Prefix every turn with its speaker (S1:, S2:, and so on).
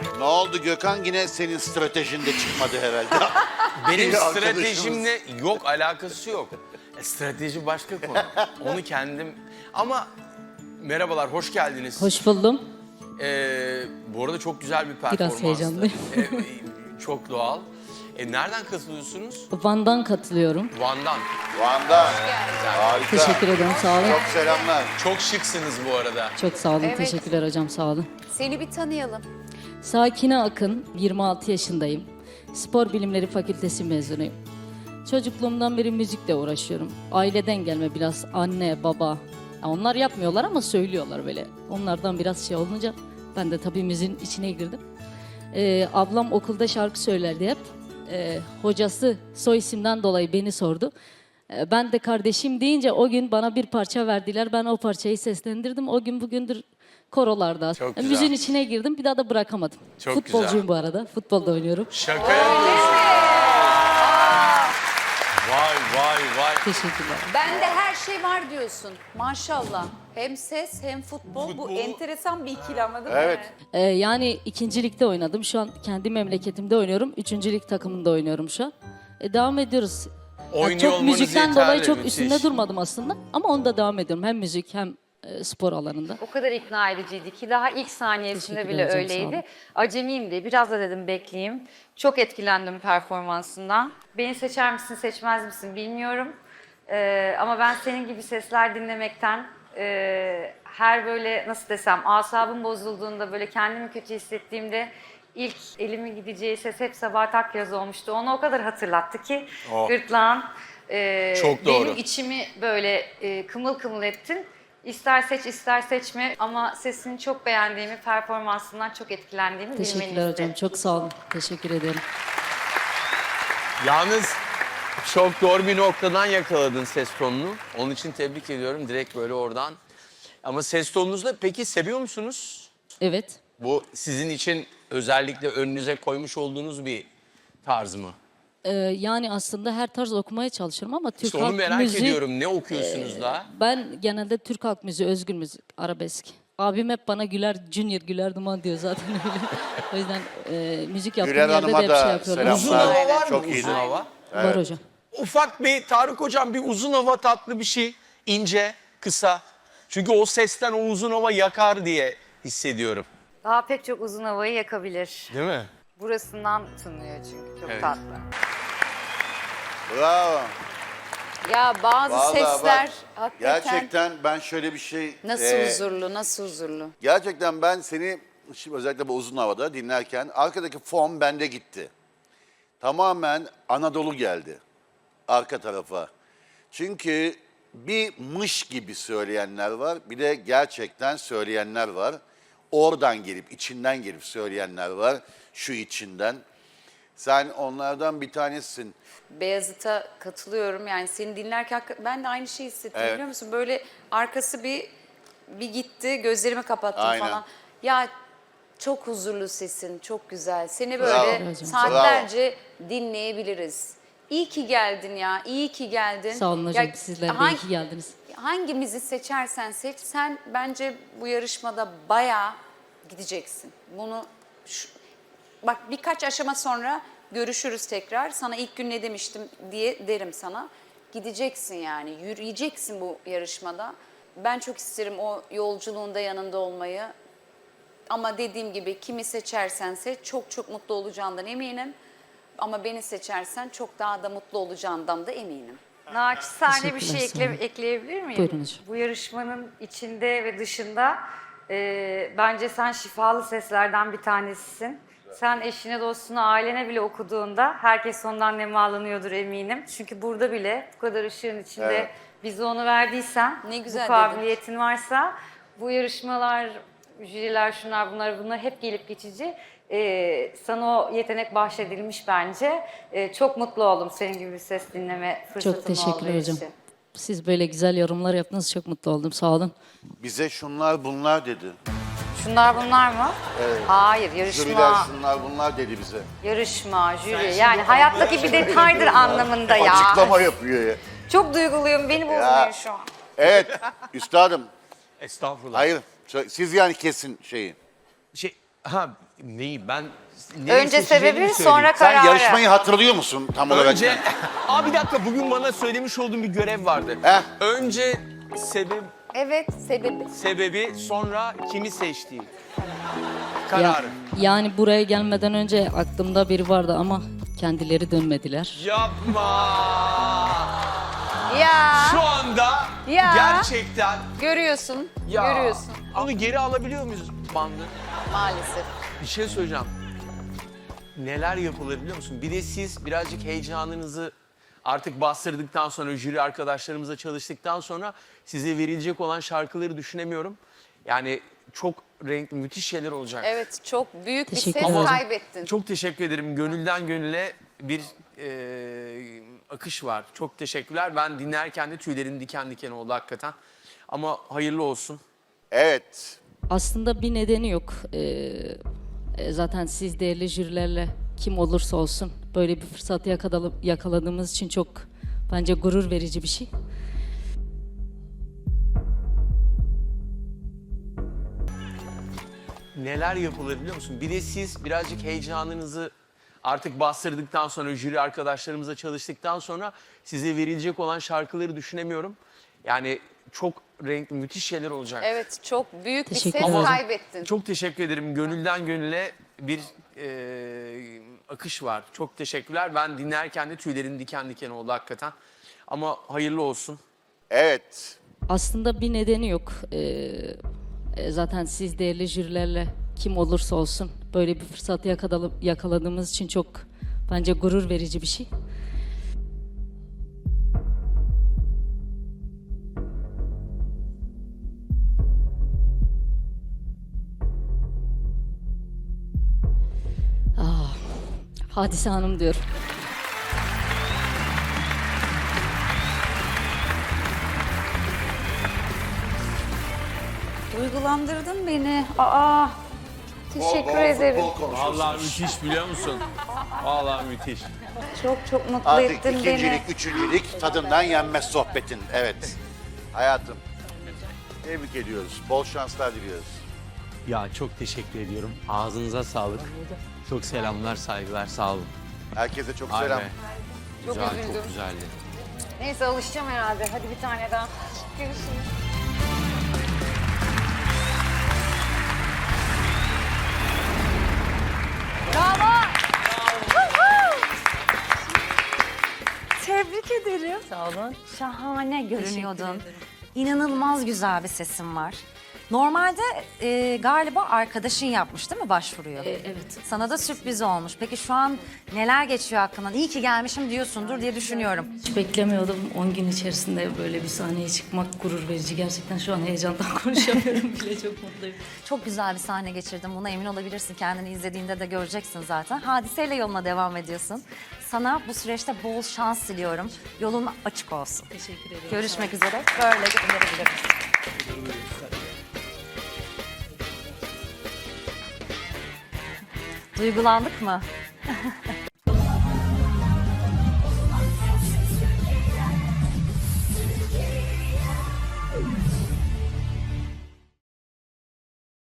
S1: Ne oldu Gökhan? Yine senin stratejinde çıkmadı herhalde.
S2: Benim
S1: Bir arkadaşımız.
S2: stratejimle yok, alakası yok. Strateji başka konu. Onu kendim... Ama merhabalar, hoş geldiniz.
S3: Hoş buldum.
S2: Bu arada çok güzel bir performanstı.
S3: heyecanlıyım.
S2: Çok doğal. Nereden katılıyorsunuz?
S3: Van'dan katılıyorum.
S2: Van'dan.
S1: Van'da. Harika.
S3: Teşekkür ederim, sağ olun.
S1: Çok selamlar.
S2: Çok şıksınız bu arada.
S3: Çok sağ olun,
S4: Evet.
S3: teşekkürler hocam, sağ olun.
S4: Seni bir tanıyalım.
S3: Sakine Akın, 26 yaşındayım. Spor Bilimleri Fakültesi mezunuyum. Çocukluğumdan beri müzikle uğraşıyorum. Aileden gelme biraz anne, baba. Ya onlar yapmıyorlar ama söylüyorlar böyle. Onlardan biraz şey olunca ben de tabii müziğin içine girdim. Ablam okulda şarkı söylerdi hep. Hocası soy isimden dolayı beni sordu. Ben de kardeşim deyince o gün bana bir parça verdiler. Ben o parçayı seslendirdim. O gün bugündür korolarda.
S2: Çok güzel.
S3: Müziğin içine girdim. Bir daha da bırakamadım.
S2: Çok
S3: Futbolcuyum
S2: güzel.
S3: bu arada. Futbolda oynuyorum.
S2: Şaka yapıyorsun. Vay vay vay.
S3: Teşekkürler.
S4: Bende her şey var diyorsun. Maşallah. Hem ses hem futbol. Bu enteresan bir ikili ama değil mi?
S1: Evet.
S3: Yani ikincilikte oynadım. Şu an kendi memleketimde oynuyorum. Üçüncülük takımında oynuyorum şu an. Devam ediyoruz. Yani
S2: Oynuyor
S3: çok
S2: olmanız
S3: müzikten
S2: yeterli,
S3: dolayı çok
S2: müthiş.
S3: üstünde durmadım aslında. Ama onda devam ediyorum. Hem müzik hem spor alanında.
S5: O kadar ikna ediciydi ki daha ilk saniyesinde
S3: Teşekkür
S5: bile
S3: ederim, sağ olun.
S5: öyleydi. Acemiyim diye biraz da dedim bekleyeyim. Çok etkilendim performansından. Beni seçer misin seçmez misin bilmiyorum. Ama ben senin gibi sesler dinlemekten her böyle nasıl desem asabım bozulduğunda böyle kendimi kötü hissettiğimde ilk elimin gideceği ses hep Sabahat Akyaz olmuştu. Onu o kadar hatırlattı ki gırtlağın
S2: Çok doğru.
S5: benim içimi böyle kımıl kımıl ettin. İster seç ister seçme ama sesini çok beğendiğimi, performansından çok etkilendiğimi
S3: Teşekkürler
S5: bilmenizi.
S3: hocam. Çok sağ olun. Teşekkür ederim.
S2: Yalnız çok doğru bir noktadan yakaladın ses tonunu. Onun için tebrik ediyorum direkt böyle oradan. Ama ses tonunuzla peki seviyor musunuz?
S3: Evet.
S2: Bu sizin için özellikle önünüze koymuş olduğunuz bir tarz mı?
S3: Yani aslında her tarz okumaya çalışıyorum ama Türk
S2: İşte onu
S3: halk
S2: merak
S3: müziği...
S2: ediyorum. Ne okuyorsunuz da?
S3: Ben genelde Türk halk müziği, özgür müzik, arabesk. Abim hep bana Güler, Junior Güler Duman diyor zaten öyle. O yüzden müzik yaptığım
S1: Güler
S3: yerde de
S1: Hanım'a
S3: hep şey
S1: da
S3: yapıyorlar.
S2: Uzun
S1: selamlar.
S2: hava var mı?
S1: Çok iyiydi.
S2: Uzun hava.
S3: Var hocam.
S2: Ufak bir Tarık Hocam bir uzun hava tatlı bir şey. İnce, kısa. Çünkü o sesten o uzun hava yakar diye hissediyorum.
S5: Daha pek çok uzun havayı yakabilir.
S2: Değil mi?
S5: Burasından tınlıyor çünkü çok
S2: Evet.
S5: tatlı.
S1: Bravo.
S4: Ya bazı
S1: Vallahi
S4: sesler
S1: bak,
S4: hakikaten
S1: gerçekten ben şöyle bir şey...
S4: nasıl huzurlu, nasıl huzurlu.
S1: Gerçekten ben seni şimdi özellikle bu uzun havada dinlerken arkadaki fon bende gitti. Tamamen Anadolu geldi arka tarafa. Çünkü bir mış gibi söyleyenler var, bir de gerçekten söyleyenler var. Oradan gelip, içinden gelip söyleyenler var, şu içinden. Sen onlardan bir tanesisin.
S4: Beyazıt'a katılıyorum. Yani seni dinlerken ben de aynı şeyi hissettim
S1: Evet.
S4: biliyor musun? Böyle arkası bir gitti, gözlerimi kapattım
S1: Aynen.
S4: falan. Ya çok huzurlu sesin, çok güzel. Seni
S1: Bravo.
S4: böyle
S3: Bravo.
S4: saatlerce dinleyebiliriz. İyi ki geldin ya, iyi ki geldin.
S3: Sağ olun hocam.
S4: Ya,
S3: Sizler de iyi ki geldiniz.
S4: Hangimizi seçersen seç, sen bence bu yarışmada bayağı gideceksin. Bak birkaç aşama sonra görüşürüz tekrar. Sana ilk gün ne demiştim diye derim sana. Gideceksin yani, yürüyeceksin bu yarışmada. Ben çok isterim o yolculuğunda yanında olmayı. Ama dediğim gibi kimi seçersen seç, çok çok mutlu olacağından eminim. Ama beni seçersen çok daha da mutlu olacağından da eminim.
S5: Naçizane bir şey
S3: Teşekkürler, sağ olun.
S5: ekleyebilir miyim?
S3: Buyurun hocam.
S5: Bu yarışmanın içinde ve dışında bence sen şifalı seslerden bir tanesisin. Sen eşine, dostuna, ailene bile okuduğunda herkes ondan nemalanıyordur eminim. Çünkü burada bile bu kadar ışığın içinde
S1: Evet.
S5: bize onu verdiysen,
S4: Ne güzel
S5: bu kabiliyetin varsa bu yarışmalar, jüriler, şunlar bunlar hep gelip geçici. Sana o yetenek bahşedilmiş bence. Çok mutlu oldum senin gibi bir ses dinleme fırsatım
S3: Çok teşekkürler
S5: olduğu
S3: hocam.
S5: için.
S3: Siz böyle güzel yorumlar yaptınız. Çok mutlu oldum. Sağ olun.
S1: Bize şunlar bunlar dedi.
S5: Şunlar bunlar mı?
S1: Evet.
S5: Hayır,
S1: Jüriler
S5: yarışma,
S1: şunlar bunlar dedi bize.
S5: jüri. Yani hayattaki bir detaydır anlamında ya.
S1: Açıklama yapıyor ya.
S5: Çok duyguluyum, beni bozmuyor şu an.
S1: Evet, üstadım.
S2: Estağfurullah.
S1: Hayır, siz yani kesin şeyi.
S2: Şey, Ha neyi ben...
S4: Önce sebebi sonra
S1: Sen
S4: kararı.
S1: yarışmayı hatırlıyor musun tam olarak?
S2: Önce... Aa bir dakika bugün bana söylemiş olduğum bir görev vardı.
S1: Heh.
S2: Önce
S4: Evet sebebi.
S2: sebebi sonra kimi seçtiği.
S3: Ya-
S2: Kararı.
S3: yani buraya gelmeden önce aklımda biri vardı ama kendileri dönmediler.
S2: Yapma.
S4: Ya
S2: Şu anda
S4: Ya.
S2: gerçekten
S4: görüyorsun.
S2: ya.
S4: Görüyorsun
S2: Onu geri alabiliyor muyuz bandı?
S4: maalesef.
S2: Bir şey söyleyeceğim. Neler yapılır biliyor musun? Bir de siz birazcık heyecanınızı artık bastırdıktan sonra, jüri arkadaşlarımızla çalıştıktan sonra size verilecek olan şarkıları düşünemiyorum. Yani çok renkli, müthiş şeyler olacak.
S4: Evet çok büyük bir
S3: Teşekkür
S4: ses
S3: ederim.
S4: kaybettin.
S2: Çok teşekkür ederim. Gönülden gönüle bir akış var. Çok teşekkürler. Ben dinlerken de tüylerim diken diken oldu hakikaten. Ama hayırlı olsun.
S1: Evet.
S3: Aslında bir nedeni yok. Zaten siz değerli jürilerle kim olursa olsun böyle bir fırsatı yakaladığımız için çok bence gurur verici bir şey.
S2: Neler yapılır biliyor musun? Bir de siz birazcık heyecanınızı artık bastırdıktan sonra, jüri arkadaşlarımızla çalıştıktan sonra size verilecek olan şarkıları düşünemiyorum. Yani çok renkli, müthiş şeyler olacak.
S4: Evet çok büyük bir
S3: Teşekkür
S4: ses
S3: ederim.
S4: kaybettin.
S2: Çok teşekkür ederim. Gönülden gönüle bir akış var. Çok teşekkürler. Ben dinlerken de tüylerim diken diken oldu hakikaten. Ama hayırlı olsun.
S1: Evet.
S3: Aslında bir nedeni yok. Zaten siz değerli jürilerle kim olursa olsun böyle bir fırsatı yakaladığımız için çok bence gurur verici bir şey. Hadise Hanım diyorum.
S4: Duygulandırdın beni. Aa. Teşekkür ederim.
S2: Vallahi müthiş biliyor musun? Vallahi müthiş.
S4: Çok çok mutlu
S1: Artık
S4: ettin
S1: ikincilik,
S4: beni.
S1: üçüncülük tadından yenmez sohbetin. Evet. Hayatım. Tebrik ediyoruz. Bol şanslar diliyoruz.
S2: Ya çok teşekkür ediyorum. Ağzınıza sağlık. Çok selamlar, saygılar. Sağ olun.
S1: Herkese çok
S2: Ay
S1: selam.
S2: be.
S4: Çok
S2: Güzel,
S4: üzüldüm.
S2: çok güzeldi.
S4: Neyse alışacağım herhalde. Hadi bir tane daha. Görüşürüz. Bravo.
S6: Tebrik ederim.
S3: Sağ olun.
S6: Şahane görünüyordun.
S3: Teşekkür ederim.
S6: İnanılmaz güzel bir sesin var. Normalde galiba arkadaşın yapmış değil mi başvuruyu?
S3: Evet.
S6: Sana da sürpriz olmuş. Peki şu an neler geçiyor hakkından? İyi ki gelmişim diyorsundur diye düşünüyorum.
S3: Hiç beklemiyordum 10 gün içerisinde böyle bir sahneye çıkmak gurur verici. Gerçekten şu an heyecandan konuşamıyorum bile, çok mutluyum.
S6: Çok güzel bir sahne geçirdim. Buna emin olabilirsin. Kendini izlediğinde de göreceksin zaten. Hadiseyle yoluna devam ediyorsun. Sana bu süreçte bol şans diliyorum. Yolun açık olsun.
S3: Teşekkür ederim.
S6: Görüşmek üzere. Böyle gönderebiliriz. Duygulandık mı?